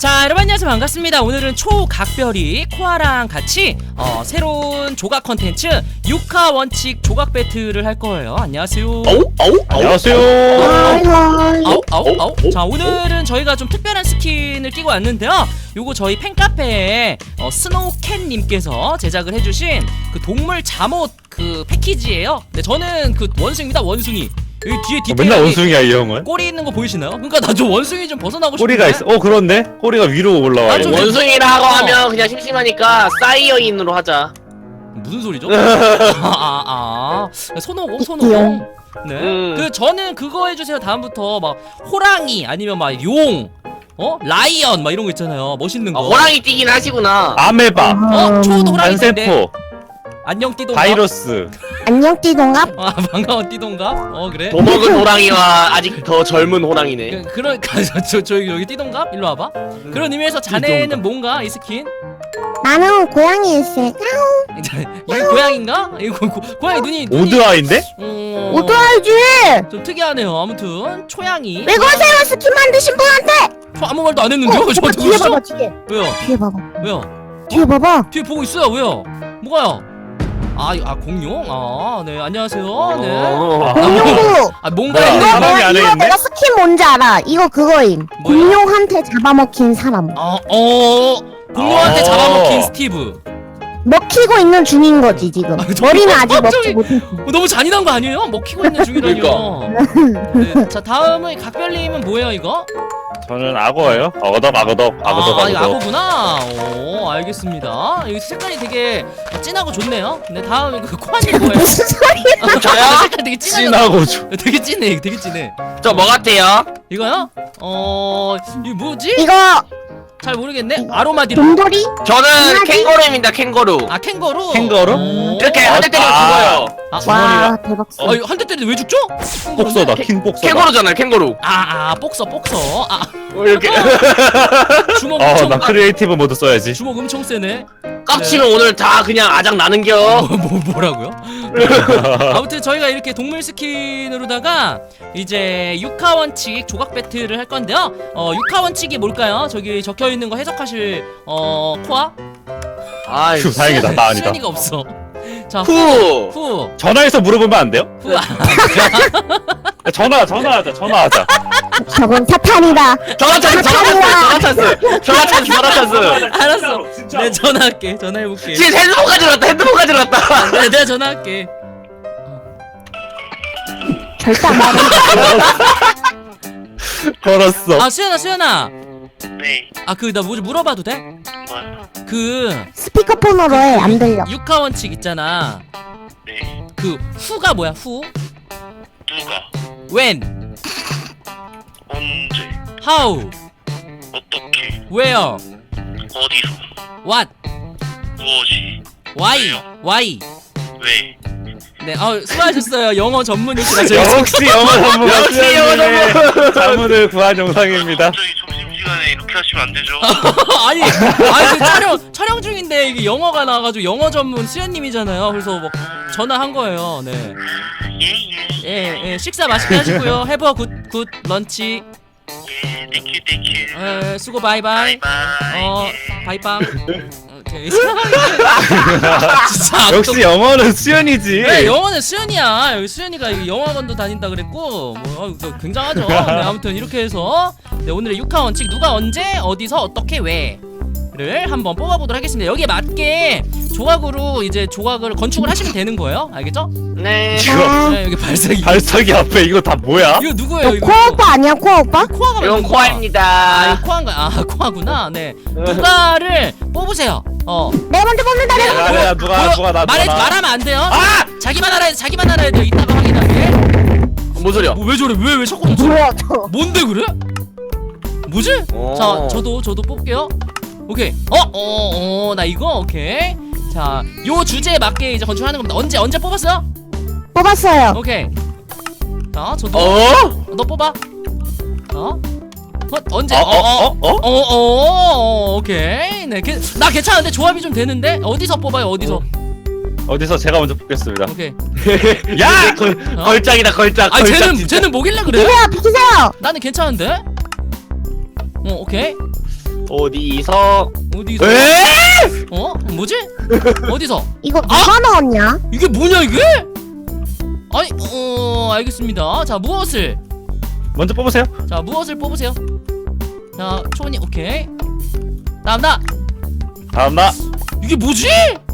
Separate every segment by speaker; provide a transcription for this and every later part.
Speaker 1: 자, 여러분 안녕하세요. 반갑습니다. 오늘은 초각별이 코아랑 같이 새로운 조각 컨텐츠 육하 원칙 조각 배틀을 할 거예요. 안녕하세요.
Speaker 2: 안녕하세요.
Speaker 1: 자, 오늘은 저희가 좀 특별한 스킨을 끼고 왔는데요. 요거 저희 팬카페에 스노우캣님께서 제작을 해주신 그 동물 잠옷 그 패키지예요. 네, 저는 그 원숭이입니다. 원숭이. 여기 뒤에 디테일이
Speaker 2: 맨날 원숭이야 이 형은.
Speaker 1: 꼬리 있는 거 보이시나요? 그러니까 나 좀 원숭이 좀 벗어나고 싶은데.
Speaker 2: 꼬리가 있어. 그렇네. 꼬리가 위로 올라와.
Speaker 1: 아, 좀
Speaker 3: 원숭이라고 하면 그냥 심심하니까 사이어인으로 하자.
Speaker 1: 무슨 소리죠? 손오공. 네.
Speaker 3: 음.
Speaker 1: 그 저는 그거 해주세요. 다음부터 막 호랑이 아니면 막 용, 라이언 막 이런 거 있잖아요. 멋있는 거.
Speaker 3: 호랑이 뛰긴 하시구나.
Speaker 2: 아메바,
Speaker 1: 초도 호랑이인데.
Speaker 2: 단세포,
Speaker 1: 안녕 띠동갑.
Speaker 2: 바이러스.
Speaker 4: 안녕 띠동갑.
Speaker 1: 아, 반가운 띠동갑. 그래.
Speaker 3: 도먹은 호랑이와 아직 더 젊은 호랑이네.
Speaker 1: 그러니까 저 여기 띠동갑 일로 와봐. 그런 의미에서 자네는 뭔가 이 스킨?
Speaker 4: 나는 고양이 있을.
Speaker 1: 이거 고양인가? 이거 고양이 눈이.
Speaker 2: 오드아인데?
Speaker 4: 오토알지.
Speaker 1: 좀 특이하네요. 아무튼 초양이.
Speaker 4: 왜 그러세요 스킨 만드신 분한테?
Speaker 1: 저 아무 말도 안 했는데요? 저
Speaker 4: 뒤에
Speaker 1: 누구시죠?
Speaker 4: 봐봐 뒤에.
Speaker 1: 왜요?
Speaker 4: 뒤에 봐봐.
Speaker 1: 왜요?
Speaker 4: 뒤에 봐봐.
Speaker 1: 뒤에 보고 있어요. 왜요? 뭐가요? 공룡? 네, 안녕하세요. 네.
Speaker 4: 공룡구.
Speaker 1: 뭔가
Speaker 2: 뭐야?
Speaker 1: 있네.
Speaker 2: 사람이 안에
Speaker 4: 이거
Speaker 2: 있네?
Speaker 4: 내가 스킨 뭔지 알아. 이거 그거임.
Speaker 1: 뭐야?
Speaker 4: 공룡한테 잡아먹힌 사람.
Speaker 1: 공룡한테
Speaker 2: 어.
Speaker 1: 잡아먹힌 스티브.
Speaker 4: 먹히고 있는 중인 거지 지금. 머리는 아직
Speaker 1: 갑자기-
Speaker 4: 먹지 못했어.
Speaker 1: 너무 잔인한 거 아니에요? 먹히고 있는 중이라뇨. 네, 자, 다음은 각별님은 뭐예요, 이거?
Speaker 2: 저는 악어예요. 악어덕.
Speaker 1: 이거 악어구나. 알겠습니다. 여기 색깔이 되게 진하고 좋네요. 네, 다음에 그 코아님 뭐예요?
Speaker 4: 무슨 소리야?
Speaker 3: 저요?
Speaker 1: 색깔 되게 진하죠?
Speaker 2: 진하고 좀.
Speaker 1: 되게 진해, 되게 진해.
Speaker 3: 저 뭐 같아요?
Speaker 1: 이거요? 이거 뭐지?
Speaker 4: 이거
Speaker 1: 잘 모르겠네. 아로마디로.
Speaker 4: 곰돌이?
Speaker 3: 저는
Speaker 4: 강아지?
Speaker 3: 캥거루입니다. 캥거루.
Speaker 1: 캥거루.
Speaker 2: 캥거루?
Speaker 1: 오.
Speaker 3: 이렇게 한 대 때리면 죽어요.
Speaker 4: 와 대박.
Speaker 1: 이거 한 대 때리는데 왜 죽죠?
Speaker 2: 복서다. 킹 복서다.
Speaker 3: 캥거루잖아요. 캥거루.
Speaker 1: 복서.
Speaker 3: 이렇게
Speaker 1: 주먹
Speaker 2: 나
Speaker 1: 엄청
Speaker 2: 크리에이티브 모드 써야지.
Speaker 1: 주먹 엄청 세네.
Speaker 3: 깝치면 오늘 다 그냥 아작 나는겨.
Speaker 1: 뭐라고요? 아무튼 저희가 이렇게 동물 스킨으로다가 이제 육하 원칙 조각 배틀을 할 건데요. 육하 원칙이 뭘까요? 저기 적혀 있는 거 해석하실 코아?
Speaker 3: 아이.
Speaker 2: 휴, 다행이다. 나 아니다.
Speaker 1: 시연이가 없어. 자,
Speaker 3: 후.
Speaker 2: 전화해서 물어보면 안 돼요?
Speaker 1: 후.
Speaker 2: 전화하자.
Speaker 4: 저건 사탄이다.
Speaker 3: 전화 찬스.
Speaker 1: 알았어. 네, 전화할게. 전화해볼게.
Speaker 3: 지금 핸드폰 가지러 왔다.
Speaker 1: 네, 내가 전화할게.
Speaker 4: 절대 안 말해.
Speaker 2: 걸었어.
Speaker 1: 수연아.
Speaker 5: 네,
Speaker 1: 나 뭐 좀 물어봐도 돼?
Speaker 5: 뭐요?
Speaker 4: 스피커폰으로 해. 안 들려.
Speaker 1: 육하 원칙 있잖아.
Speaker 5: 네,
Speaker 1: 그 후가 뭐야? 후?
Speaker 5: 누가?
Speaker 1: When?
Speaker 5: 언제?
Speaker 1: How?
Speaker 5: 어떻게?
Speaker 1: Where?
Speaker 5: 어디서?
Speaker 1: What?
Speaker 5: 무엇이?
Speaker 1: Why?
Speaker 5: 왜?
Speaker 1: 네, 수고하셨어요. 영어 전문이시라
Speaker 2: 역시 영어 전문가
Speaker 3: 역시 영어 전문.
Speaker 2: 자문을 구한 영상입니다.
Speaker 5: 갑자기 점심시간에 이렇게 하시면 안 되죠?
Speaker 1: 아니 그 촬영 중인데 이게 영어가 나와가지고 영어 전문 수연님이잖아요. 그래서 뭐 전화한 거예요. 네. 예, 식사 맛있게 하시고요. 해버 굿 런치.
Speaker 5: 예, 땡큐.
Speaker 1: 수고 바이바이.
Speaker 5: 바이바이.
Speaker 1: 바이빵. 오케이. 진짜
Speaker 2: 역시 영어는 수연이지.
Speaker 1: 네, 영어는 수연이야. 여기 수연이가 여기 영어학원도 다닌다 그랬고 굉장하죠. 네, 아무튼 이렇게 해서 오늘의 육하 원칙 누가 언제 어디서 어떻게 왜를 한번 뽑아보도록 하겠습니다. 여기에 맞게 조각으로 이제 조각을 건축을 하시면 되는 거예요. 알겠죠?
Speaker 3: 네.
Speaker 1: 네, 여기 발색이.
Speaker 2: 발석이 앞에 이거 다 뭐야?
Speaker 1: 이거 누구예요? 이거
Speaker 4: 코아 오빠 아니야 코아 오빠?
Speaker 1: 코아가
Speaker 3: 이건
Speaker 1: 맞는 거야.
Speaker 3: 코아입니다.
Speaker 1: 이거 코아인가? 코아구나. 네. 누가를 뽑으세요.
Speaker 4: 내 먼저 뽑는다 내가.
Speaker 2: 누가 나
Speaker 1: 말하면 안 돼요. 자기만 알아야 돼요. 이따가 확인할게.
Speaker 3: 뭔 소리야?
Speaker 1: 왜 저래? 왜 자꾸 멈춰?
Speaker 4: 뭐야 저.
Speaker 1: 뭔데 그래? 뭐지? 자, 저도 뽑을게요. 오케이. 나 이거 오케이. 자, 요 주제에 맞게 이제 건축하는 겁니다. 언제 뽑았어요?
Speaker 4: 뽑았어요.
Speaker 1: 오케이. 자, 저도. 너 뽑아. 언제? 오케이. 네, 나 괜찮은데 조합이 좀 되는데 어디서 뽑아요?
Speaker 2: 어디서 제가 먼저 뽑겠습니다.
Speaker 1: 오케이.
Speaker 2: 야!
Speaker 3: 걸작이다 걸작.
Speaker 1: 아,
Speaker 3: 걸작
Speaker 1: 쟤는 뭐길래 그래?
Speaker 4: 비세요 비키세요.
Speaker 1: 나는 괜찮은데? 오케이.
Speaker 3: 어디서?
Speaker 1: 어디서?
Speaker 2: 에?
Speaker 1: 어? 뭐지? 어디서?
Speaker 4: 이거 누가 넣었냐?
Speaker 1: 이게 뭐냐 이게? 아니 알겠습니다. 자 무엇을?
Speaker 2: 먼저 뽑으세요.
Speaker 1: 자 무엇을 뽑으세요? 자 초원이 오케이. 다음 나.
Speaker 2: 다음 나.
Speaker 1: 이게 뭐지?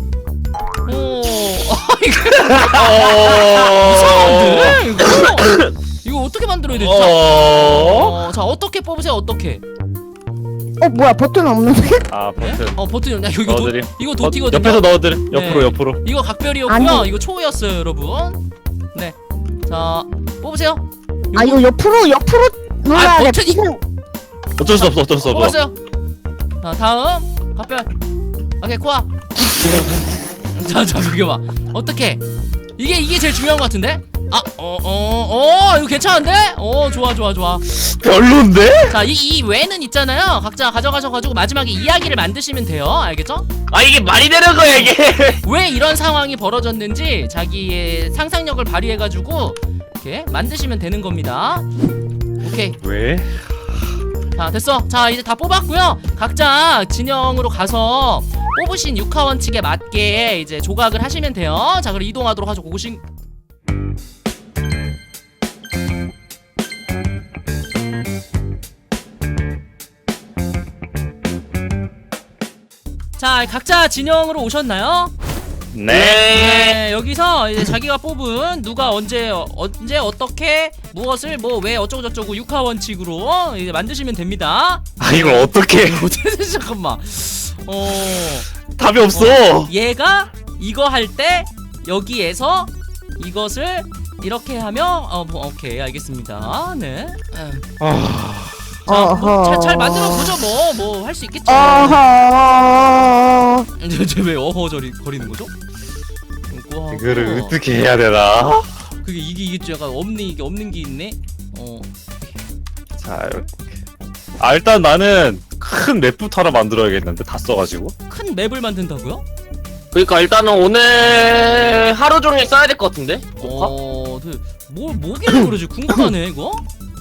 Speaker 1: 이게
Speaker 2: 어.
Speaker 1: 이상한데 이거 어떻게 만들어야 되지? 자 어떻게 뽑으세요? 어떻게?
Speaker 4: 뭐야 버튼 없는데?
Speaker 2: 아 버튼.
Speaker 1: 버튼. 야 이거
Speaker 2: 넣어드림.
Speaker 1: 이거 도티거든요.
Speaker 2: 옆에서 넣어드려. 옆으로
Speaker 1: 네.
Speaker 2: 옆으로.
Speaker 1: 이거 각별이었고요.
Speaker 4: 아니.
Speaker 1: 이거 초였어요, 여러분. 네. 자 뽑으세요.
Speaker 4: 아 이거 옆으로 눌러야 돼.
Speaker 1: 버튼이-
Speaker 4: 지금
Speaker 2: 어쩔 수 없어. 어쩔 수 없어.
Speaker 1: 뽑았어요. 자 다음 각별. 오케이 코아. 자 비켜봐. 어떻게? 이게 제일 중요한 것 같은데? 이거 괜찮은데? 좋아.
Speaker 2: 별론데?
Speaker 1: 자, 이 외는 있잖아요. 각자 가져가셔가지고 마지막에 이야기를 만드시면 돼요. 알겠죠?
Speaker 3: 아 이게 말이 되는 거야 이게?
Speaker 1: 왜 이런 상황이 벌어졌는지 자기의 상상력을 발휘해가지고 이렇게 만드시면 되는 겁니다. 오케이.
Speaker 2: 왜?
Speaker 1: 자, 됐어. 자, 이제 다 뽑았고요. 각자 진영으로 가서 뽑으신 육하원칙에 맞게 이제 조각을 하시면 돼요. 자, 그럼 이동하도록 하죠. 고고싱. 자, 각자 진영으로 오셨나요?
Speaker 2: 네.
Speaker 1: 네, 여기서 이제 자기가 뽑은 누가 언제 어떻게 무엇을 뭐 왜 어쩌고 저쩌고 육하 원칙으로 이제 만드시면 됩니다.
Speaker 2: 아 이걸 어떻게?
Speaker 1: 잠깐만.
Speaker 2: 답이 없어.
Speaker 1: 얘가 이거 할 때 여기에서 이것을 이렇게 하면 오케이 알겠습니다. 네. 자, 잘 만들어 보죠. 뭐 할 수 있겠죠.
Speaker 4: 어허.
Speaker 1: 쟤왜 어허저리 거리는 거죠?
Speaker 2: 이거를 어떻게 해야 되나?
Speaker 1: 그게 이게 좀 약간 없는 게 있네.
Speaker 2: 자 이렇게. 아 일단 나는 큰 맵부터 하나 만들어야겠는데 다 써가지고.
Speaker 1: 큰 맵을 만든다고요?
Speaker 3: 그러니까 일단은 오늘 하루 종일 써야 될 것 같은데?
Speaker 1: 뭐길래 그러지? 궁금하네 이거.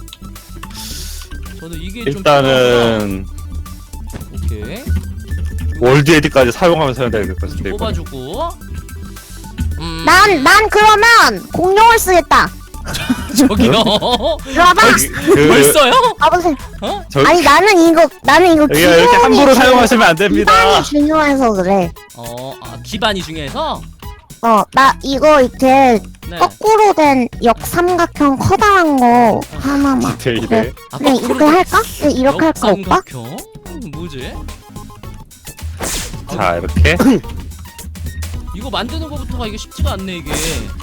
Speaker 1: 저는 이게
Speaker 2: 일단은
Speaker 1: 좀 오케이
Speaker 2: 월드 에디까지 사용하면서 해야 될 것 같은데. 이거는.
Speaker 1: 뽑아주고.
Speaker 4: 난 그러면 공룡을 쓰겠다.
Speaker 1: 저기요.
Speaker 4: 이리 와봐.
Speaker 1: 벌써요?
Speaker 4: 가보세요.
Speaker 1: 어?
Speaker 4: 아니 나는 이거
Speaker 2: 여기가 이렇게 함부로 사용하시면 안 됩니다.
Speaker 4: 기반이 중요해서 그래.
Speaker 1: 기반이 중요해서.
Speaker 4: 나 이거 이렇게
Speaker 1: 네.
Speaker 4: 거꾸로 된 역삼각형 커다란 거 하나만.
Speaker 2: 디테일에.
Speaker 4: 그래.
Speaker 1: 아,
Speaker 4: 그냥 이렇게 할까? 그래, 이렇게 할까 오빠?
Speaker 1: 역삼각형? 뭐지?
Speaker 2: 자 이렇게.
Speaker 1: 이거 만드는 거부터가 이게 쉽지가 않네 이게.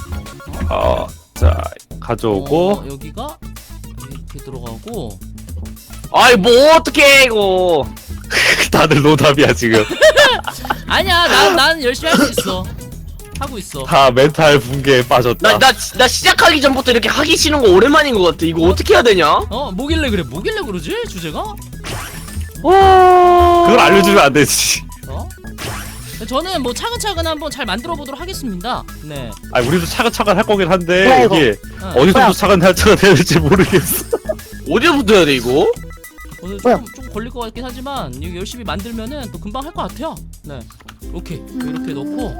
Speaker 2: 자 가져오고.
Speaker 1: 여기가 이렇게 들어가고.
Speaker 3: 아이 뭐 어떡해 이거.
Speaker 2: 다들 노답이야 지금.
Speaker 1: 아니야 난 열심히 할 수 있어. 하고 있어.
Speaker 2: 다 멘탈 붕괴에 빠졌다.
Speaker 3: 나 시작하기 전부터 이렇게 하기 싫은 거 오랜만인 것 같아. 이거 어떻게 해야 되냐?
Speaker 1: 뭐길래 그러지 주제가?
Speaker 2: 그걸 알려주면 안 되지.
Speaker 1: 저는 뭐 차근차근 한번 잘 만들어 보도록 하겠습니다. 네.
Speaker 2: 아 우리도 차근차근 할 거긴 한데
Speaker 4: 뭐야, 이거?
Speaker 2: 이게
Speaker 1: 뭐야?
Speaker 2: 어디서부터 차근차근 해야 될지 모르겠어.
Speaker 3: 어디부터 해야 돼 이거?
Speaker 1: 오늘
Speaker 4: 뭐야?
Speaker 1: 좀 걸릴 것 같긴 하지만 이거 열심히 만들면은 또 금방 할 것 같아요. 네. 오케이 이렇게 넣고.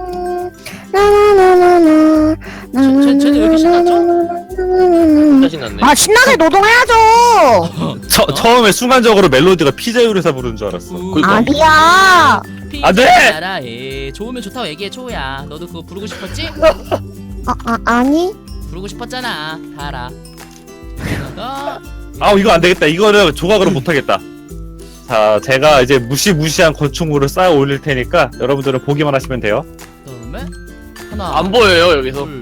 Speaker 1: 쟤는 왜 이렇게 신났죠?
Speaker 3: 진짜 신났네.
Speaker 4: 아 신나게 노동해야죠.
Speaker 2: 처음에 순간적으로 멜로디가 피자유리사 부르는 줄 알았어.
Speaker 4: 아니야.
Speaker 2: 안 돼!
Speaker 1: 나라에 좋으면 좋다고 얘기해 초야. 너도 그거 부르고 싶었지?
Speaker 4: 아니.
Speaker 1: 부르고 싶었잖아. 다 알아. 여기다가
Speaker 2: 이거 안 되겠다. 이거는 조각으로 못 하겠다. 자, 제가 이제 무시무시한 건축물을 쌓아 올릴 테니까 여러분들은 보기만 하시면 돼요.
Speaker 1: 그다음에 하나.
Speaker 3: 안 보여요 여기서.
Speaker 1: 둘.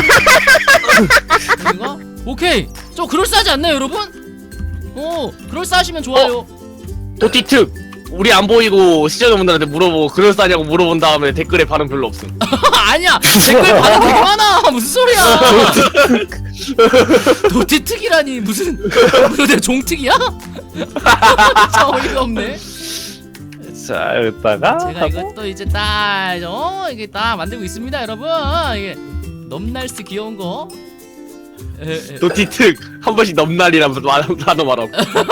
Speaker 1: 여기가 오케이. 좀 그럴싸하지 않나요, 여러분? 그럴싸하시면 좋아요.
Speaker 3: 도티특. 우리 안 보이고 시청자분들한테 물어보고 그럴싸냐고 물어본 다음에 댓글에 반응 별로 없음.
Speaker 1: 아니야. 댓글 반응 되게 많아. 무슨 소리야? 도티특이라니 무슨 내가 종특이야? 진짜 어이가 없네.
Speaker 2: 자, 여기다가
Speaker 1: 제가 이것도 이제 이게 딱 만들고 있습니다, 여러분. 이게 넘날스 귀여운 거.
Speaker 3: 도티특 한 번씩 넘날이라면서 단어 말하고.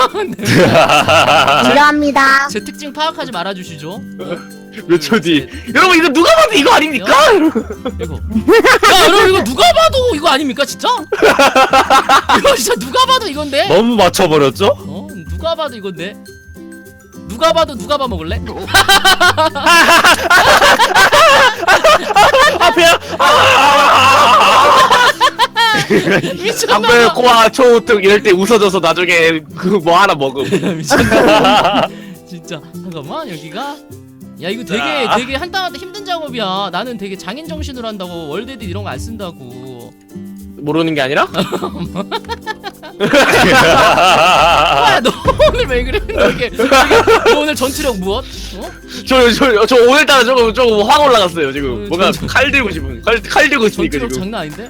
Speaker 4: 필요합니다.
Speaker 1: 제 특징 파악하지 말아주시죠.
Speaker 3: 몇 초 뒤. 여러분 이거 누가 봐도 이거 아닙니까?
Speaker 1: 이거. 야 여러분 이거 누가 봐도 이거 아닙니까 진짜? 이거 진짜 누가 봐도 이건데?
Speaker 2: 너무 맞춰버렸죠?
Speaker 1: 어? 누가 봐도 이건데? 누가 봐도 누가 봐 먹을래?
Speaker 2: 앞이야.
Speaker 1: 미쳤나봐.
Speaker 3: 강별 코아 초우특 이럴 때 웃어줘서 나중에 그 뭐 하나 먹음.
Speaker 1: 미쳤나봐. 진짜 잠깐만 여기가. 야 이거 되게 한 땀 한 땀 힘든 작업이야. 나는 되게 장인 정신으로 한다고 월드 에딧 이런 거 안 쓴다고.
Speaker 3: 모르는 게 아니라?
Speaker 1: 야, 너 오늘 왜 그래? 너 너 오늘 전투력 무엇? 어?
Speaker 3: 저 오늘따라 조금 확 올라갔어요 지금. 뭔가
Speaker 1: 저-
Speaker 3: 칼 들고 싶은. 칼 들고 있으니까
Speaker 1: 전투력
Speaker 3: 지금.
Speaker 1: 장난 아닌데?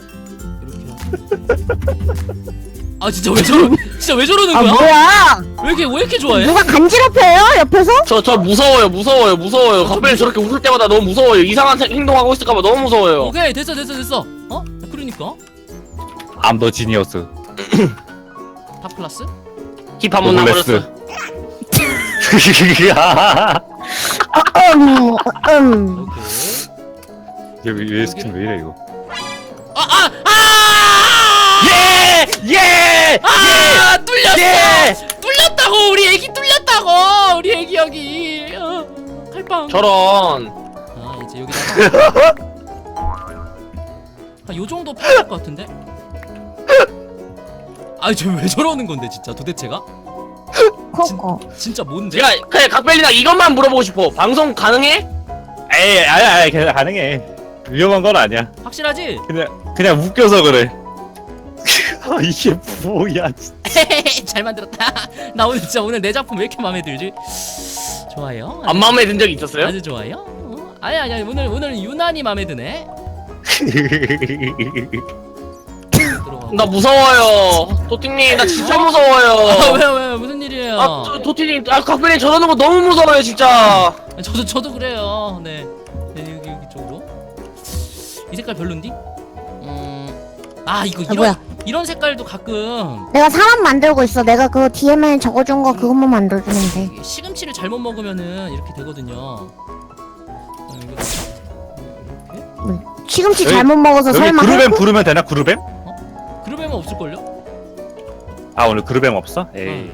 Speaker 1: 이렇게. 아 진짜 왜 저러는
Speaker 4: 아
Speaker 1: 거야?
Speaker 4: 뭐야?
Speaker 1: 왜 이렇게 좋아해?
Speaker 4: 누가 간지럽혀요 옆에서?
Speaker 3: 저 무서워요. 갑자기 저렇게 웃을 때마다 너무 무서워요. 이상한 행동하고 있을까봐 너무 무서워요.
Speaker 1: 오케이 됐어. 어? 그러니까
Speaker 2: 암더 지니어스.
Speaker 1: 탑 클래스?
Speaker 3: 힙한 문 나버렸어.
Speaker 1: 오케이.
Speaker 2: 왜 스킨 왜 이래 이거? 예!
Speaker 1: 뚫렸어! 뚫렸다고! 우리 애기 뚫렸다고! 우리 애기 여기 칼빵.
Speaker 3: 저런.
Speaker 1: 아 이제 여기다가 요 정도 필요할 것 같은데? 아 저 왜 저러는 건데 진짜 도대체가?
Speaker 4: 코코.
Speaker 1: 진짜 뭔데?
Speaker 3: 제가 그냥 각별이랑 이것만 물어보고 싶어. 방송 가능해?
Speaker 2: 에이, 아니, 그냥 가능해. 위험한 건 아니야.
Speaker 1: 확실하지?
Speaker 2: 그냥 웃겨서 그래. 이게 뭐야?
Speaker 1: 잘 만들었다. 나 오늘 진짜 오늘 내 작품 왜 이렇게 마음에 들지? 좋아요.
Speaker 3: 안 마음에 든 적 있었어요?
Speaker 1: 아주 좋아요. 아니 오늘 유난히 마음에 드네. 들어가고.
Speaker 3: 나 무서워요. 도티님 나 진짜 무서워요.
Speaker 1: 왜 무슨 일이에요?
Speaker 3: 도티님 각별이 저러는 거 너무 무서워요 진짜.
Speaker 1: 저도 그래요. 네 여기 쪽으로. 이 색깔 별론디? 이거
Speaker 4: 뭐야?
Speaker 1: 이런 색깔도 가끔
Speaker 4: 내가 사람 만들고 있어. 내가 그 DM에 적어준 거 그것만 만들어주면 돼.
Speaker 1: 시금치를 잘못 먹으면은 이렇게 되거든요. 이거 이렇게?
Speaker 4: 시금치
Speaker 2: 여기-
Speaker 4: 잘못 먹어서
Speaker 2: 여기
Speaker 4: 설마
Speaker 2: 그루뱀
Speaker 4: 할거?
Speaker 2: 부르면 되나? 그루뱀?
Speaker 1: 그러면 없을걸요?
Speaker 2: 아 오늘 그루뱀 없어? 에이.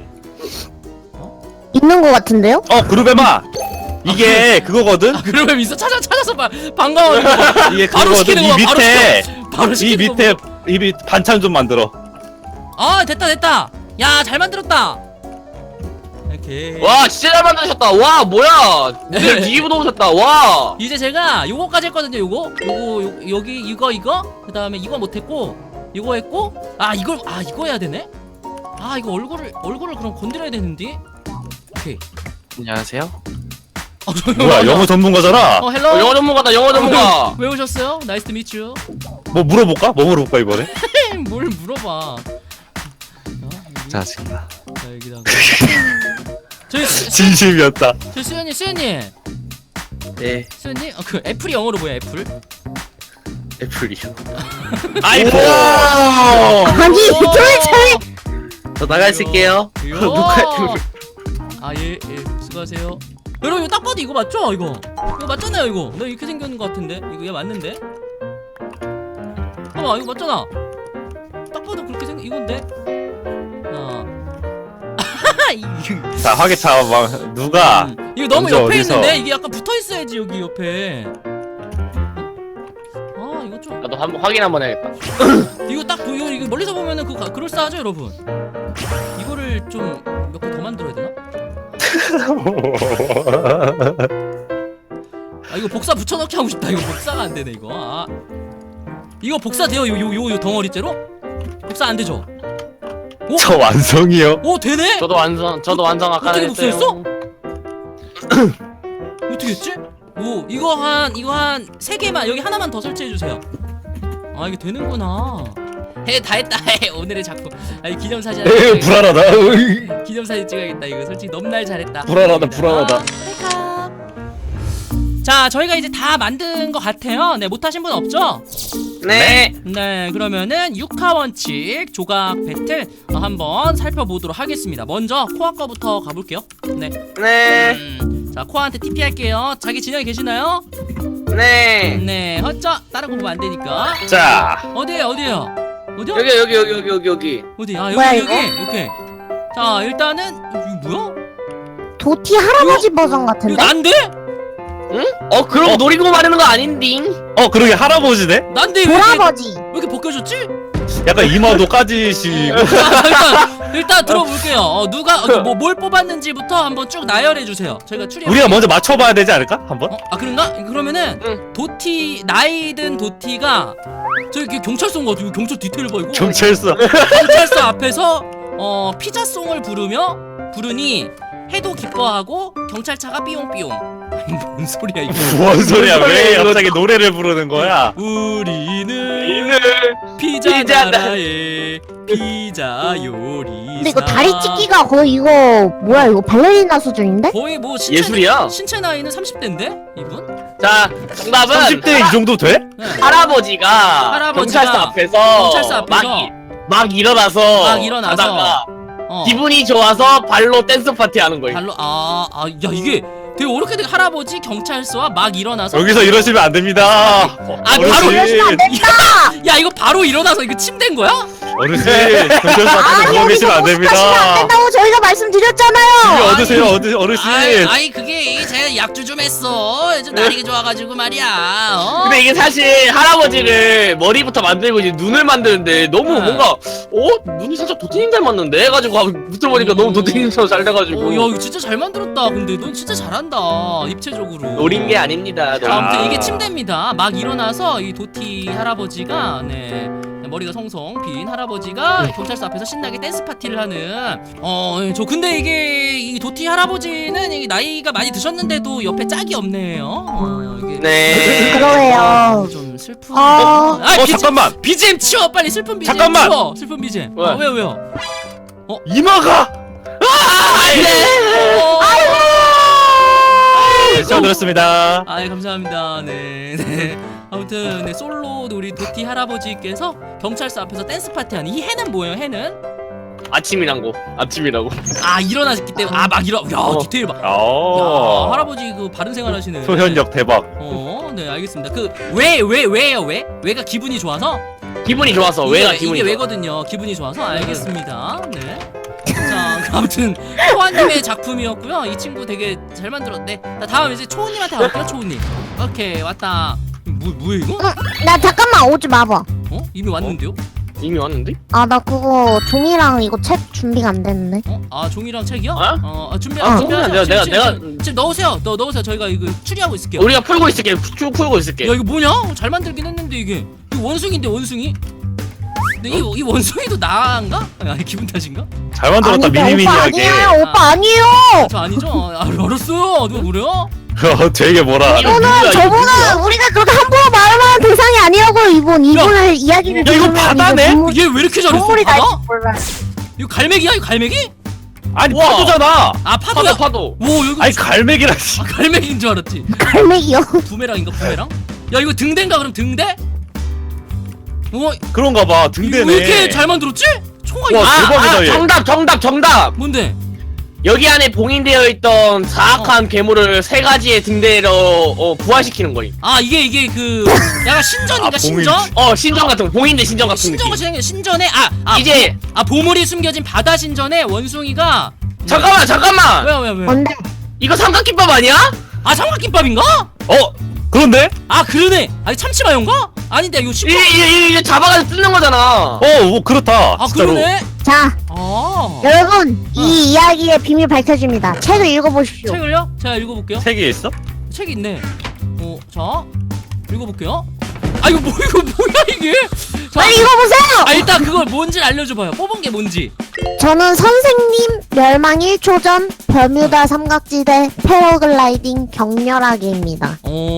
Speaker 4: 있는 거 같은데요?
Speaker 2: 그루뱀아. 이게 그거거든.
Speaker 1: 그러면 있어 찾아서 반가워.
Speaker 2: 이게
Speaker 1: 바로
Speaker 2: 그거거든.
Speaker 1: 시키는
Speaker 2: 이
Speaker 1: 거야,
Speaker 2: 밑에
Speaker 1: 바로
Speaker 2: 이
Speaker 1: 시키는
Speaker 2: 밑에 이 반찬 좀 만들어.
Speaker 1: 아 됐다. 야 잘 만들었다. 오케이.
Speaker 3: 와 진짜 잘 만드셨다. 와 뭐야. 모델 뒤집어 놓으셨다. 와.
Speaker 1: 이제 제가 요거까지 했거든요. 요거 여기 이거 그다음에 이거 못했고 이거 했고 이거 해야 되네. 이거 얼굴을 그럼 건드려야 되는데. 오케이.
Speaker 3: 안녕하세요.
Speaker 2: 뭐야 영어 전문가잖아.
Speaker 1: 헬로.
Speaker 3: 영어 전문가다. 영어 전문가.
Speaker 1: 왜 오셨어요? 나이스 투 미츠 유.
Speaker 2: 뭐 물어볼까? 뭐 물어볼까 이번에?
Speaker 1: 뭘 물어봐.
Speaker 2: 짜증나.
Speaker 1: 자 여기다가 저희
Speaker 2: 진심이었다.
Speaker 1: 수현님
Speaker 3: 네.
Speaker 1: 수현님 그 애플이 영어로 뭐야 애플?
Speaker 3: 애플이요.
Speaker 2: 아이고.
Speaker 4: 아니 도대체
Speaker 3: 저 나가 있을게요.
Speaker 1: 예 수고하세요. 여러분 이거 딱 봐도 이거 맞죠? 이거 맞잖아요. 이거 나 이렇게 생겼는 것 같은데 이거 얘 맞는데? 봐봐 이거 맞잖아. 딱 봐도 그렇게 이건데?
Speaker 2: 자 화개차 누가
Speaker 1: 이거 너무
Speaker 2: 언제
Speaker 1: 옆에
Speaker 2: 어디서?
Speaker 1: 있는데 이게 약간 붙어 있어야지 여기 옆에. 이거 좀
Speaker 3: 나도 한번 확인 한번 해야겠다.
Speaker 1: 이거 딱 이거 멀리서 보면은 그럴싸하죠 여러분. 이거를 좀 몇 개 더 만들어야 되나? 이거 복사 붙여넣기 하고 싶다. 이거 복사가 안 되네 이거. 이거 복사 돼요? 요 덩어리째로? 복사 안 되죠?
Speaker 2: 저 완성이요.
Speaker 1: 오 되네?
Speaker 3: 저도 완성 아까
Speaker 1: 어떻게
Speaker 3: 했어요.
Speaker 1: 복사했어? 어떻게 했지? 오 이거 한 3개만 여기 하나만 더 설치해 주세요. 이게 되는구나. 다 했다. 오늘의 작품. 기념사진.
Speaker 2: 에이 불안하다.
Speaker 1: 기념사진 찍어야겠다. 이거 솔직히 넘날 잘했다.
Speaker 2: 불안하다.
Speaker 1: 자 저희가 이제 다 만든 것 같아요. 네 못하신 분 없죠?
Speaker 3: 네.
Speaker 1: 네, 그러면은 6화 원칙 조각 배틀 한번 살펴보도록 하겠습니다. 먼저 코아 거부터 가볼게요. 네.
Speaker 3: 네.
Speaker 1: 자, 코아한테 TP 할게요. 자기 진영에 계시나요?
Speaker 3: 네.
Speaker 1: 네, 허쩌 다른 거 보면 안 되니까.
Speaker 2: 자,
Speaker 1: 어디에요? 어디에요? 어디요?
Speaker 3: 여기.
Speaker 1: 어디? 아,
Speaker 4: 뭐야,
Speaker 1: 여기
Speaker 4: 이거?
Speaker 1: 여기. 오케이. 자, 일단은 이거 뭐야?
Speaker 4: 도티 할아버지 버전
Speaker 1: 이거
Speaker 4: 같은데?
Speaker 1: 난데?
Speaker 3: 응? 그러고 노리고 말하는 거 아닌딩?
Speaker 2: 그러게 할아버지네?
Speaker 1: 난데 왜 이렇게
Speaker 4: 돌아버지.
Speaker 1: 벗겨졌지?
Speaker 2: 약간 이마도 까지시고.
Speaker 1: 일단 들어볼게요. 누가 뭘 뽑았는지부터 한번 쭉 나열해 주세요. 저희가 추리.
Speaker 2: 우리가 먼저 맞춰봐야 되지 않을까? 한번?
Speaker 1: 그런가? 그러면은
Speaker 3: 응.
Speaker 1: 도티 나이든 도티가 저기 경찰서인 것 같아. 경찰 디테일 봐 이거.
Speaker 2: 경찰서.
Speaker 1: 경찰서 앞에서 피자송을 부르니 해도 기뻐하고 경찰차가 삐용삐용. 아니, 뭔 소리야 이거?
Speaker 2: 뭔 소리야? 왜 갑자기 노래를 부르는 거야?
Speaker 1: 우리는 피자
Speaker 3: 피자
Speaker 1: 나라의 피자 요리사.
Speaker 4: 근데 이거 다리 찢기가 거의 이거 뭐야 이거 발레리나 수준인데?
Speaker 1: 거의 뭐
Speaker 3: 예술이야.
Speaker 1: 신체 나이는 30대인데 이분?
Speaker 3: 자, 정답은
Speaker 2: 30대 이 정도 돼?
Speaker 1: 네.
Speaker 3: 할아버지가 경찰서 앞에서 막 일어나서 가다가 기분이 좋아서 발로 댄스 파티 하는 거예요.
Speaker 1: 발로 야 이게 되게 어렵게 할아버지 경찰서와 막 일어나서
Speaker 2: 여기서 이러시면 안 됩니다.
Speaker 1: 바로
Speaker 4: 이러시면 안 된다!
Speaker 1: 야 이거 바로 일어나서 이거 침대인 거야?
Speaker 2: 어르신, 경찰서 앞에서 누워 계시면 안
Speaker 4: 하시면 안
Speaker 2: 됩니다.
Speaker 4: 된다고 저희가 말씀드렸잖아요!
Speaker 2: 이리 얻으세요, 어르신.
Speaker 1: 아이 그게 제가 약주 좀 했어. 요즘 날이 좋아가지고 말이야.
Speaker 3: 근데 이게 사실 할아버지를 머리부터 만들고 이제 눈을 만드는데 너무 뭔가 눈이 살짝 도티님 닮았는데 해가지고 붙어보니까 너무 도티님처럼 잘 돼가지고
Speaker 1: 야 이거 진짜 잘 만들었다. 근데 넌 진짜 잘한다 입체적으로.
Speaker 3: 노린 게 아닙니다.
Speaker 1: 자, 아무튼 이게 침대입니다. 막 일어나서 이 도티 할아버지가 머리가 송송 빈 할아버지가 경찰서 앞에서 신나게 댄스 파티를 하는 저 근데 이게 이 도티 할아버지는 이 나이가 많이 드셨는데도 옆에 짝이 없네요. 이게
Speaker 3: 네.
Speaker 4: 그러게요.
Speaker 1: 좀 슬픈.
Speaker 2: 잠깐만.
Speaker 1: BGM 치워 빨리 슬픈 BGM
Speaker 2: 잠깐만.
Speaker 1: 치워. 슬픈 BGM.
Speaker 3: 왜?
Speaker 1: 왜요?
Speaker 2: 이마가. 네, 잘 들었습니다.
Speaker 1: 감사합니다. 네. 아무튼 솔로 우리 도티 할아버지께서 경찰서 앞에서 댄스 파티하는 이 해는 뭐예요? 해는
Speaker 3: 아침이라고.
Speaker 1: 일어났기 때문에 막 일어. 야 디테일 봐. 야 할아버지 그 바른 생활 하시네.
Speaker 2: 표현력 대박.
Speaker 1: 네 알겠습니다. 그 왜요? 왜가 기분이 좋아서?
Speaker 3: 기분이 좋아서 왜가 기분이
Speaker 1: 이게
Speaker 3: 좋아.
Speaker 1: 왜거든요. 기분이 좋아서 알겠습니다. 네. 자 아무튼 초아님의 작품이었고요. 이 친구 되게 잘 만들었네. 자 다음 이제 초우님한테 갈게요. 초우님. 오케이 왔다. 뭐야 이거?
Speaker 4: 나 잠깐만 오지 마봐.
Speaker 1: 이미 왔는데요?
Speaker 3: 이미 왔는데?
Speaker 4: 아 나 그거 종이랑 이거 책 준비가 안 됐네.
Speaker 1: 종이랑 책이요?
Speaker 3: 내가
Speaker 1: 지금 넣으세요. 넣으세요. 저희가 이거 추리하고 있을게요.
Speaker 3: 우리가 풀고 있을게. 쭉 풀고 있을게.
Speaker 1: 야 이거 뭐냐? 잘 만들긴 했는데 이게 원숭이인데 원숭이? 근데 이 원숭이도 나인가? 아니 기분 탓인가?
Speaker 2: 잘 만들었다.
Speaker 4: 아닌데,
Speaker 2: 미니미니하게.
Speaker 4: 오빠 아니에요.
Speaker 1: 저 아니죠? 알았어요. 누가 그래요?
Speaker 2: 되게 뭐라.
Speaker 4: 이거는 저분은 우리가 그렇게 함부로 말하는 대상이 아니라고 이분의 이야기를
Speaker 2: 야, 이거 바다네?
Speaker 1: 얘 왜 이렇게 잘했어?
Speaker 4: 동물이
Speaker 1: 바다?
Speaker 4: 날지 몰라.
Speaker 1: 이거 갈매기야? 이거 갈매기?
Speaker 2: 아니
Speaker 3: 우와.
Speaker 2: 파도잖아.
Speaker 1: 파도야?
Speaker 3: 파도.
Speaker 1: 오 여기
Speaker 2: 아니 갈매기라.
Speaker 1: 갈매기인 줄 알았지.
Speaker 4: 갈매기요.
Speaker 1: 부메랑인가 부메랑? 야 이거 등대인가 그럼 등대?
Speaker 2: 그런가 봐. 등대네.
Speaker 1: 왜 이렇게 잘 만들었지? 총알
Speaker 2: 와, 대박이다, 얘.
Speaker 3: 정답.
Speaker 1: 뭔데?
Speaker 3: 여기 안에 봉인되어 있던 사악한 괴물을 세 가지의 등대로 부활시키는 거임.
Speaker 1: 이게 그 약간 신전인가
Speaker 2: 봉인.
Speaker 1: 신전?
Speaker 3: 신전 같은 거. 봉인대 신전 같은
Speaker 1: 신전과
Speaker 3: 느낌.
Speaker 1: 진행해 신전에
Speaker 3: 이제
Speaker 1: 보물이 숨겨진 바다 신전에 원숭이가
Speaker 3: 잠깐만.
Speaker 1: 왜?
Speaker 4: 뭔데?
Speaker 3: 이거 삼각김밥 아니야?
Speaker 1: 삼각김밥인가?
Speaker 2: 그런데?
Speaker 1: 그러네. 참치마요인가? 아닌데 이거
Speaker 3: 이게 잡아가지고 뜯는 거잖아.
Speaker 2: 그렇다. 진짜로.
Speaker 1: 그러네.
Speaker 4: 자 여러분 이 이야기의 비밀 밝혀집니다. 책을 읽어보십시오.
Speaker 1: 책을요? 제가 읽어볼게요.
Speaker 2: 책이 있어?
Speaker 1: 책이 있네. 자 읽어볼게요. 이거 뭐야 이게?
Speaker 4: 빨리 읽어보세요.
Speaker 1: 일단 그걸 뭔지 알려줘봐요. 뽑은 게 뭔지.
Speaker 4: 저는 선생님 멸망 1초 전 버뮤다 삼각지대 패러글라이딩 격렬하게입니다.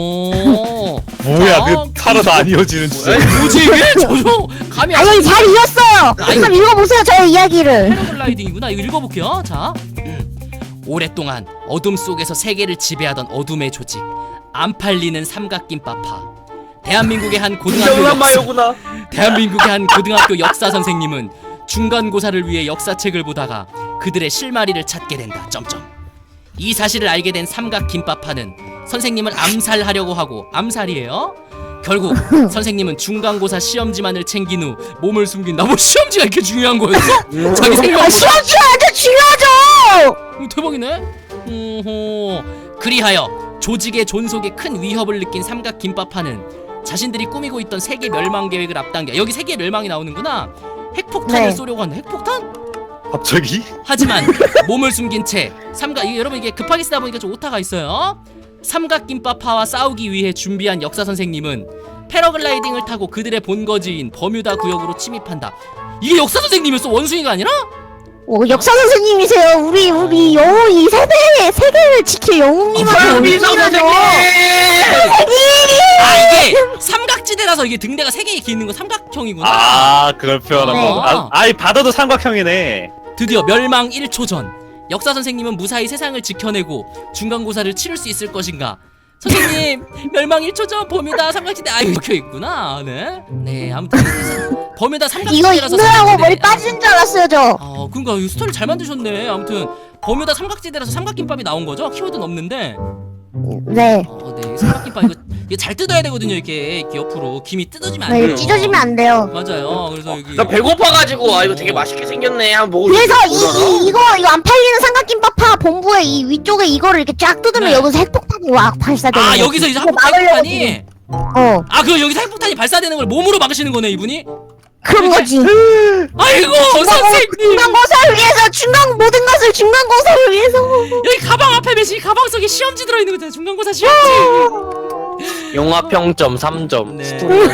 Speaker 2: 뭐야, 그 살아도 안 이어지는 진짜.
Speaker 1: 뭐지 이게? 저저 감이
Speaker 4: 아니 잘 이었어요. 한번 읽어보세요 저의 이야기를.
Speaker 1: 패러글라이딩이구나. 이거 읽어볼게요. 자 오랫동안 어둠 속에서 세계를 지배하던 어둠의 조직 안 팔리는 삼각김밥파. 대한민국의 한
Speaker 3: 영란 마요구나.
Speaker 1: 대한민국의 한 고등학교 역사 선생님은 중간고사를 위해 역사책을 보다가 그들의 실마리를 찾게 된다. 이 사실을 알게 된 삼각김밥파는 선생님을 암살하려고 하고 암살이에요. 결국 선생님은 중간고사 시험지만을 챙긴 후 몸을 숨긴다. 뭐 시험지가 이렇게 중요한 거였어? 자기 생각보다.
Speaker 4: 시험지가 완전 중요하죠.
Speaker 1: 대박이네. 그리하여 조직의 존속에 큰 위협을 느낀 삼각김밥파는 자신들이 꾸미고 있던 세계 멸망 계획을 앞당겨. 여기 세계 멸망이 나오는구나. 핵폭탄을
Speaker 4: 네.
Speaker 1: 쏘려고 한다. 핵폭탄?
Speaker 2: 갑자기?
Speaker 1: 하지만 몸을 숨긴 채 여러분 이게 급하게 쓰다 보니까 좀 오타가 있어요. 삼각김밥파와 싸우기 위해 준비한 역사 선생님은 패러글라이딩을 타고 그들의 본거지인 버뮤다 구역으로 침입한다. 이게 역사 선생님이었어? 원숭이가 아니라?
Speaker 4: 역사 선생님이세요. 우리 영웅 이 세계를 지킬 영웅님한테
Speaker 3: 미소 선생님.
Speaker 1: 아 이게 삼각지대라서 이게 등대가 3개 이렇게 있는 거 삼각형이구나.
Speaker 2: 아 그걸 표현한
Speaker 4: 네.
Speaker 2: 거. 아이 바다도 삼각형이네.
Speaker 1: 드디어 멸망 1초 전 역사 선생님은 무사히 세상을 지켜내고 중간고사를 치를 수 있을 것인가. 선생님 멸망 1초 전 버뮤다 삼각지대 이렇게 있구나. 네 아무튼 버뮤다
Speaker 4: 이거
Speaker 1: 삼각지대라서
Speaker 4: 읽느라고 머리 빠지는 줄 알았어요 저.
Speaker 1: 그러니까 이 스토리 잘 만드셨네. 아무튼 버뮤다 삼각지대라서 삼각김밥이 나온 거죠? 키워드는 없는데.
Speaker 4: 네.
Speaker 1: 네 삼각김밥 이거 잘 뜯어야 되거든요. 이렇게 옆으로 김이 뜯어지면 안
Speaker 4: 네,
Speaker 1: 돼요.
Speaker 4: 찢어지면 안 돼요.
Speaker 1: 맞아요. 그래서 여기
Speaker 3: 나 배고파가지고 이거 되게 맛있게 생겼네. 한번 먹을.
Speaker 4: 그래서 이거 안 팔리는 삼각김밥파 본부에 이 위쪽에 이거를 이렇게 쫙 뜯으면
Speaker 1: 네.
Speaker 4: 여기서 핵폭탄이 와 발사되는 거예요.
Speaker 1: 여기서 이제
Speaker 4: 그거
Speaker 1: 핵폭탄이
Speaker 4: 막으려고
Speaker 1: 그 여기서 핵폭탄이 발사되는 걸 몸으로 막으시는 거네 이분이.
Speaker 4: 그런 거지.
Speaker 1: 아이고 선생님
Speaker 4: 중간고사를 위해서 모든 것을 중간고사를 위해서.
Speaker 1: 여기 가방 앞에 매시 가방 속에 시험지 들어있는 거잖아. 중간고사 시험지.
Speaker 3: 영화 평점 3점.
Speaker 1: 네.
Speaker 3: 스토리.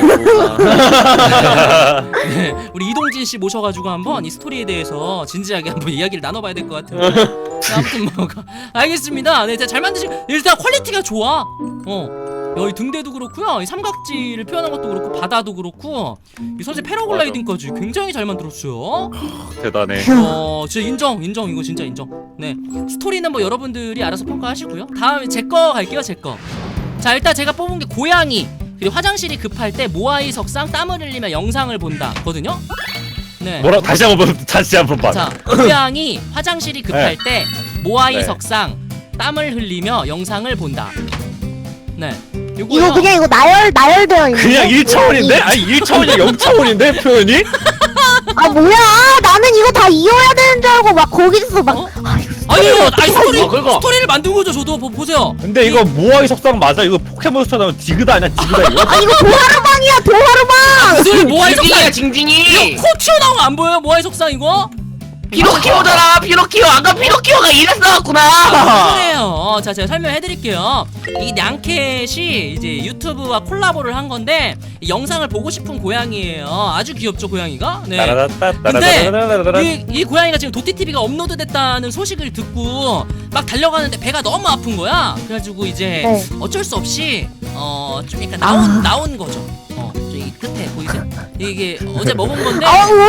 Speaker 1: 네, 우리 이동진 씨 모셔가지고 한번 이 스토리에 대해서 진지하게 한번 이야기를 나눠봐야 될 것 같아요. 네, 아무튼 알겠습니다. 네, 잘 만드신 일단 퀄리티가 좋아. 여기 등대도 그렇고요. 이 삼각지를 표현한 것도 그렇고 바다도 그렇고 이 선생 패러글라이딩까지 굉장히 잘 만들었어요.
Speaker 2: 대단해.
Speaker 1: 진짜 인정 이거 진짜 인정. 네, 스토리는 뭐 여러분들이 알아서 평가하시고요. 다음에 제 거 갈게요. 제 거. 자 일단 제가 뽑은 게 고양이 그리고 화장실이 급할 때 모아이 석상 땀을 흘리며 영상을 본다 거든요. 네.
Speaker 2: 뭐라 다시 한번 봐.
Speaker 1: 자 고양이 화장실이 급할 때 모아이
Speaker 2: 네.
Speaker 1: 석상 땀을 흘리며 영상을 본다. 네.
Speaker 4: 이거 그냥 이거 나열되어 있는.
Speaker 2: 그냥 1차원인데? 아니 1차원이 0차원인데 표현이?
Speaker 4: 아 뭐야? 나는 이거 다 이어야 되는 줄 알고 막 거기서 막.
Speaker 1: 아니요
Speaker 3: 그거.
Speaker 1: 스토리를 만든 거죠. 저도 보세요.
Speaker 2: 근데 이거 모아이 석상 맞아? 이거 포켓몬스터 나오면 디그다 아니야? 디그다 이거?
Speaker 4: 아 이거 도하루방이야 도하루방.
Speaker 1: 무슨 모아이 석상
Speaker 3: 징징이야
Speaker 1: 이거
Speaker 3: 징징이.
Speaker 1: 코 튀어나온 거 안 보여요? 모아이 석상 이거?
Speaker 3: 피노키오잖아. 피노키오. 아까 피노키오가 이랬었구나.
Speaker 1: 그래요. 자 제가 설명해드릴게요. 이 냥캣이 이제 유튜브와 콜라보를 한 건데 이 영상을 보고 싶은 고양이에요. 아주 귀엽죠 고양이가? 네. 근데 이 고양이가 지금 도티TV가 업로드됐다는 소식을 듣고 막 달려가는데 배가 너무 아픈 거야. 그래가지고 이제
Speaker 4: 네.
Speaker 1: 어쩔 수 없이 좀 약간 나온 거죠. 저기 끝에 보이세요? 이게 어제 먹은 건데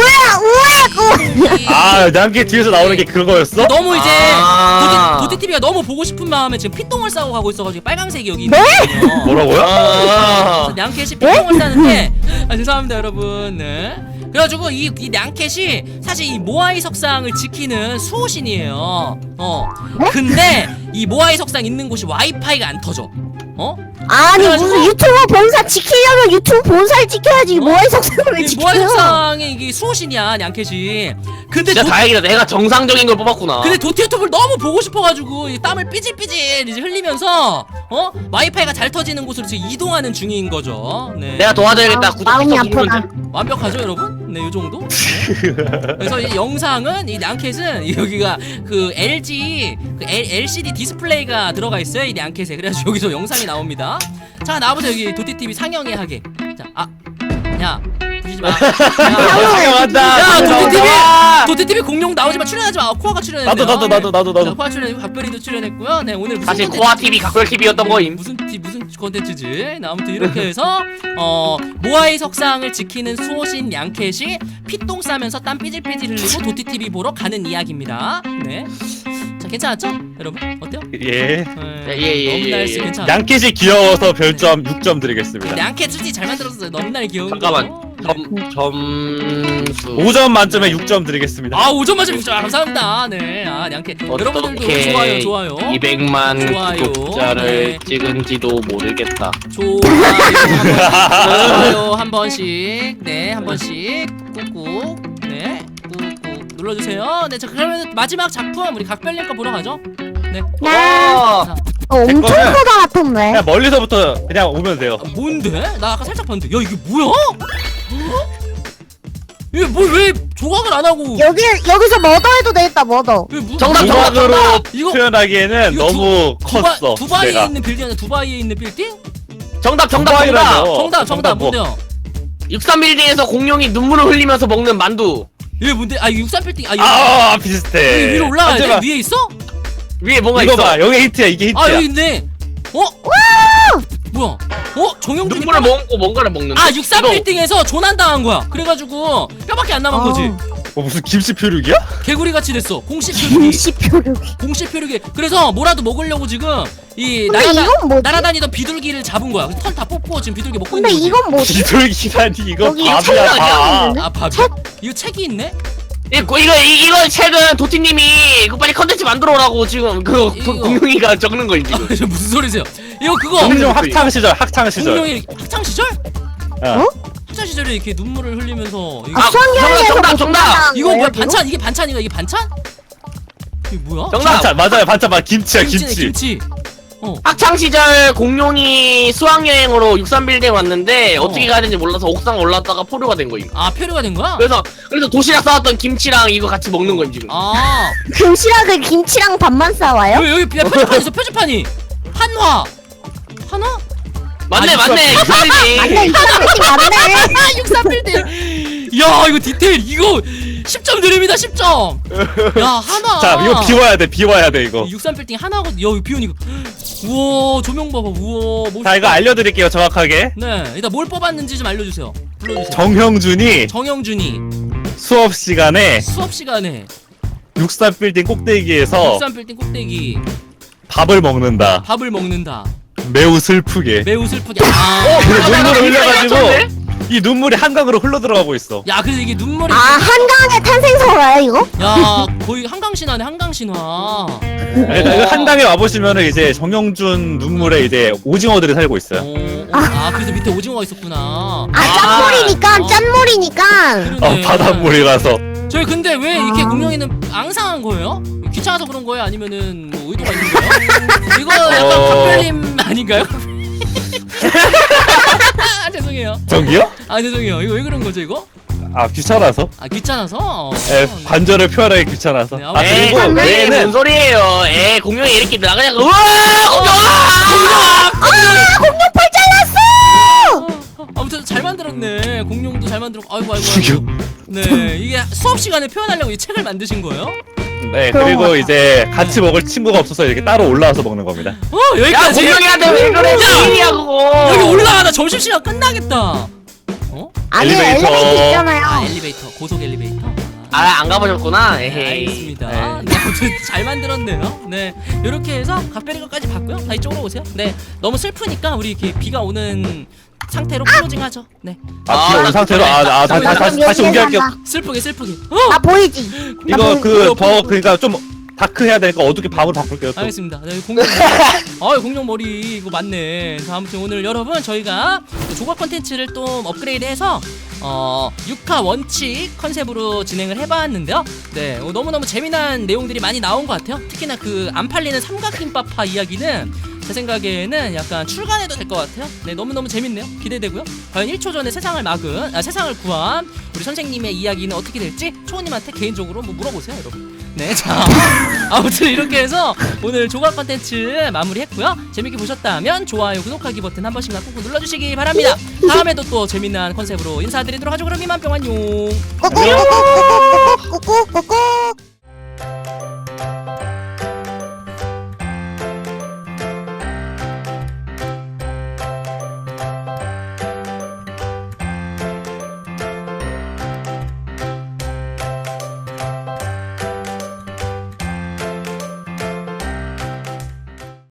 Speaker 2: 아 난게 뒤에서 나오는 게 그거였어?
Speaker 1: 너무 이제
Speaker 3: 아.
Speaker 1: 도티TV가 너무 보고 싶은 마음에 지금 피똥을 싸고 가고 있어가지고 빨강색이 여기
Speaker 4: 네?
Speaker 1: 있거든요.
Speaker 2: 뭐라고요?
Speaker 3: 아.
Speaker 1: 냥캣이 피똥을 싸는데 죄송합니다 여러분. 네. 그래가지고 이 냥캣이 사실 이 모아이 석상을 지키는 수호신이에요. 근데 이 모아이 석상 있는 곳이 와이파이가 안 터져.
Speaker 4: 아니
Speaker 1: 그래가지고-
Speaker 4: 무슨 유튜버 본사 지키려면 유튜브 본사를 지켜야지 모아이 석상을 왜
Speaker 1: 이
Speaker 4: 지켜요?
Speaker 1: 모아이 석상의 이게 수호신이야 냥캣이. 근데
Speaker 3: 진짜 다행이다. 내가 정상적인 걸 뽑았구나.
Speaker 1: 근데 도티 유튜브를 너무 보고 싶어가지고 이 땀을 삐질삐질 이제 흘리면서 와이파이가 잘 터지는 곳으로 지금 이동하는 중인 거죠. 네.
Speaker 3: 내가 도와줘야겠다.
Speaker 4: 마음이
Speaker 3: 구독
Speaker 4: 아프다.
Speaker 1: 완벽하죠 여러분? 네 요정도? 네. 그래서 이 영상은 이 냥캣은 여기가 그 LG 그 LCD 디스플레이가 들어가 있어요 이 냥캣에. 그래서 여기서 영상이 나옵니다. 자 나와보세요 여기 도티TV 상영회 하게. 야 부시지 마. 야 도티TV 공룡 나오지마. 출연하지 마. 코아가 출연했네요.
Speaker 2: 나도.
Speaker 1: 자, 코아 출연, 박별이도 출연했고요. 네 오늘 무슨
Speaker 3: 사실
Speaker 1: 콘텐츠-
Speaker 3: 코아 TV 각별 TV였던 거임.
Speaker 1: 무슨 콘텐츠지? 네, 아무튼 이렇게 해서 모아이 석상을 지키는 수호신 냥캣이 피똥 싸면서 땀 삐질삐질 흘리고 도티TV 보러 가는 이야기입니다. 네. 자 괜찮았죠? 여러분 어때요?
Speaker 2: 예.
Speaker 3: 예.
Speaker 1: 넘날씨 괜찮아.
Speaker 2: 양키시 귀여워서 별점 6점 드리겠습니다.
Speaker 1: 양캐 솔직히 잘 만들었어요. 넘날 귀여운
Speaker 3: 잠깐만.
Speaker 1: 거.
Speaker 3: 점수
Speaker 2: 5점 만점에 6점 드리겠습니다.
Speaker 1: 아 5점 맞으면 6점 감사합니다. 네, 양캐 여러분들도 좋아요.
Speaker 3: 200만
Speaker 1: 좋아요.
Speaker 3: 구독자를
Speaker 1: 네.
Speaker 3: 찍은지도 모르겠다.
Speaker 1: 좋아요 한 번씩 네 한 번씩 꾹꾹 네 꾹꾹 눌러주세요. 네, 자 그러면 마지막 작품 우리 각별님 거 보러 가죠. 네.
Speaker 3: 와.
Speaker 4: 엄청
Speaker 2: 거는-
Speaker 4: 크다 같은데.
Speaker 2: 그냥 멀리서부터 그냥 오면 돼요.
Speaker 1: 아, 뭔데? 나 아까 살짝 봤는데. 야 이게 뭐야? 이게 왜 조각을 안 하고?
Speaker 4: 여기서 머더해도 되겠다, 머더.
Speaker 1: 이게 뭐-
Speaker 3: 정답, 정답,
Speaker 2: 조각으로
Speaker 1: 이거-
Speaker 2: 표현하기에는
Speaker 1: 이거
Speaker 2: 너무 컸어.
Speaker 1: 두바이에
Speaker 2: 내가.
Speaker 1: 있는 빌딩 아니야? 두바이에 있는 빌딩?
Speaker 3: 정답.
Speaker 2: 두바이라뇨.
Speaker 1: 정답
Speaker 2: 뭐.
Speaker 1: 뭔데요?
Speaker 3: 63빌딩에서 공룡이 눈물을 흘리면서 먹는 만두.
Speaker 1: 이게 뭔데? 아 이거 63 빌딩. 아 이거
Speaker 2: 아
Speaker 1: 여기
Speaker 2: 비슷해.
Speaker 1: 위로 올라가야 돼?
Speaker 2: 앉아봐.
Speaker 1: 위에 있어?
Speaker 3: 위에 뭐가
Speaker 2: 이거
Speaker 3: 있어?
Speaker 2: 봐, 여기 힌트야. 이게 힌트야.
Speaker 1: 아 여기 있네. 어? 뭐야? 정영준이
Speaker 3: 눈물을 먹고 뭔가를 먹는데.
Speaker 1: 아 63
Speaker 3: 이거
Speaker 1: 빌딩에서 조난당한 거야. 그래가지고 뼈밖에 안 남은 거지.
Speaker 2: 무슨 김치 표류기야?
Speaker 1: 개구리 같이 됐어. 공식 표류기.
Speaker 4: 김씨표류기.
Speaker 1: 공식 표류기. 그래서 뭐라도 먹으려고 지금 이
Speaker 4: 근데 이건 뭐지?
Speaker 1: 날아다니던 비둘기를 잡은 거야. 털 다 뽑고 지금 비둘기 먹고
Speaker 4: 근데
Speaker 1: 있는 거지.
Speaker 4: 이건 뭐지?
Speaker 2: 비둘기라니 이거
Speaker 4: 여기
Speaker 2: 밥이야
Speaker 3: 책이야,
Speaker 2: 밥.
Speaker 1: 아 밥이야? 이거 책이 있네?
Speaker 3: 이거 책은 도티님이 이거 빨리 컨텐츠 만들어 오라고 지금 그
Speaker 1: 이거.
Speaker 3: 공룡이가 적는 거 지금.
Speaker 1: 아, 무슨 소리세요? 이거 그거
Speaker 2: 공룡 학창 시절.
Speaker 1: 공룡이 학창 시절?
Speaker 2: 어?
Speaker 1: 학창 시절에 이렇게 눈물을 흘리면서 이거,
Speaker 3: 아,
Speaker 4: 수학여행에서
Speaker 3: 정답,
Speaker 4: 뭐
Speaker 3: 정답.
Speaker 4: 조난당한
Speaker 1: 이거 뭐야
Speaker 4: 거예요, 지금?
Speaker 1: 반찬? 이게 반찬인가? 이게 반찬? 이게 뭐야?
Speaker 3: 정답.
Speaker 2: 반찬 맞아요. 반찬 맞 김치야
Speaker 1: 김치네,
Speaker 2: 김치.
Speaker 1: 김치.
Speaker 3: 학창 시절 공룡이 수학여행으로 63빌딩 왔는데 어떻게 가야 되는지 몰라서 옥상 올랐다가 포로가 된 거임.
Speaker 1: 아 표류가 된 거야?
Speaker 3: 그래서 도시락 싸왔던 김치랑 이거 같이 먹는 거임 지금.
Speaker 1: 아
Speaker 4: 금시락을 김치랑 밥만 싸와요?
Speaker 1: 여기 표지판 있어 표지판이 한화
Speaker 3: 맞네
Speaker 1: 아,
Speaker 3: 맞네 63빌딩.
Speaker 4: 맞네, 이거 맞네.
Speaker 1: 63 빌딩. 야 이거 디테일 이거 10점 드립니다 10점. 야 하나.
Speaker 2: 자 이거 비워야 돼. 비워야 돼 이거.
Speaker 1: 63 빌딩 하나고 야 이거 비우니까 우와 조명 봐봐 우와 멋있다.
Speaker 2: 자 이거 알려드릴게요 정확하게.
Speaker 1: 네 일단 뭘 뽑았는지 좀 알려주세요. 불러주세요.
Speaker 2: 정형준이
Speaker 1: 정영준이
Speaker 2: 수업 시간에
Speaker 1: 수업 시간에
Speaker 2: 63 빌딩 꼭대기에서
Speaker 1: 63 빌딩 꼭대기
Speaker 2: 밥을 먹는다.
Speaker 1: 밥을 먹는다.
Speaker 2: 매우 슬프게.
Speaker 1: 매우 슬프게. 아.
Speaker 2: 근데 눈물을
Speaker 3: 맞췄네?
Speaker 2: 흘려가지고 이 눈물이 한강으로 흘러 들어가고 있어.
Speaker 1: 야 그래서 이게 눈물이
Speaker 4: 아, 한강의 탄생설화야, 이거?
Speaker 1: 야 거의 한강신화네 한강신화.
Speaker 2: 그러니까 이거 한강에 와보시면은 이제 정영준 눈물에 이제 오징어들이 살고 있어요.
Speaker 1: 아 그래서 밑에 오징어가 있었구나.
Speaker 4: 아, 짠물이니까, 짠물이니까.
Speaker 1: 그러네.
Speaker 2: 바닷물이라서.
Speaker 1: 저희 근데 왜 이렇게 공룡이는 앙상한 거예요? 귀찮아서 그런 거예요? 아니면은 뭐 의도가 있는 거예요? 이거 약간 각별님 아닌가요? 아 죄송해요.
Speaker 2: 저기요?
Speaker 1: 아 죄송해요. 이거 왜 그런 거죠 이거?
Speaker 2: 아 귀찮아서?
Speaker 1: 아 귀찮아서?
Speaker 2: 예, 관절을 표현하기 귀찮아서.
Speaker 1: 네,
Speaker 2: 아
Speaker 3: 에이,
Speaker 2: 그리고
Speaker 3: 뭔
Speaker 2: 얘는
Speaker 3: 소리예요? 에이 공룡이 이렇게 나가냐고. 우와
Speaker 4: 공룡팔 잘랐어!
Speaker 1: 아무튼 잘 만들었네. 공룡도 잘 만들었고. 아이고.
Speaker 2: 죽여.
Speaker 1: 네 이게 수업 시간에 표현하려고 이 책을 만드신 거예요?
Speaker 2: 네
Speaker 4: 그런
Speaker 2: 그리고
Speaker 4: 거
Speaker 2: 이제 같이 먹을 친구가 없어서 이렇게 따로 올라와서 먹는 겁니다.
Speaker 3: 야
Speaker 1: 여기까지.
Speaker 3: 공룡이한테 왜 그래? 무인이야 그거.
Speaker 1: 여기 올라가다 점심시간 끝나겠다.
Speaker 4: 안에
Speaker 2: 엘리베이터.
Speaker 4: 엘리베이터 있잖아요.
Speaker 1: 아 엘리베이터 고속 엘리베이터.
Speaker 3: 안 가보셨구나.
Speaker 1: 네,
Speaker 3: 에헤이.
Speaker 1: 알겠습니다. 네, 아무튼 잘 만들었네요. 네, 이렇게 해서 각별이 것까지 봤고요. 다 이쪽으로 오세요. 네, 너무 슬프니까 우리 이렇게 비가 오는 상태로 클로징하죠. 네,
Speaker 2: 아 비온 상태로 다시 옮겨할게요.
Speaker 1: 슬프게.
Speaker 4: 나 보이지? 나
Speaker 2: 이거
Speaker 4: 보이지?
Speaker 2: 더 그러니까 좀 다크 해야 되니까 어둡게 밤으로 바꿀게요. 또.
Speaker 1: 알겠습니다. 네, 공룡 머리. 공룡 머리 이거 맞네. 자, 아무튼 오늘 여러분 저희가 조각 컨텐츠를 또 업그레이드해서 6화 원칙 컨셉으로 진행을 해봤는데요. 네, 너무너무 재미난 내용들이 많이 나온 것 같아요. 특히나 그 안 팔리는 삼각김밥파 이야기는 제 생각에는 약간 출간해도 될 것 같아요. 네, 너무너무 재밌네요. 기대되고요. 과연 1초 전에 세상을 구한 우리 선생님의 이야기는 어떻게 될지 초호님한테 개인적으로 뭐 물어보세요, 여러분. 네, 자 아무튼 이렇게 해서 오늘 조각 컨텐츠 마무리했고요. 재밌게 보셨다면 좋아요, 구독하기 버튼 한 번씩만 꾹꾹 눌러주시기 바랍니다. 다음에도 또 재미난 컨셉으로 인사드리도록 하죠. 그럼 이만 뿅 안녕.
Speaker 4: 꾸꾸꾸꾸꾸꾸꾸꾸꾸꾸.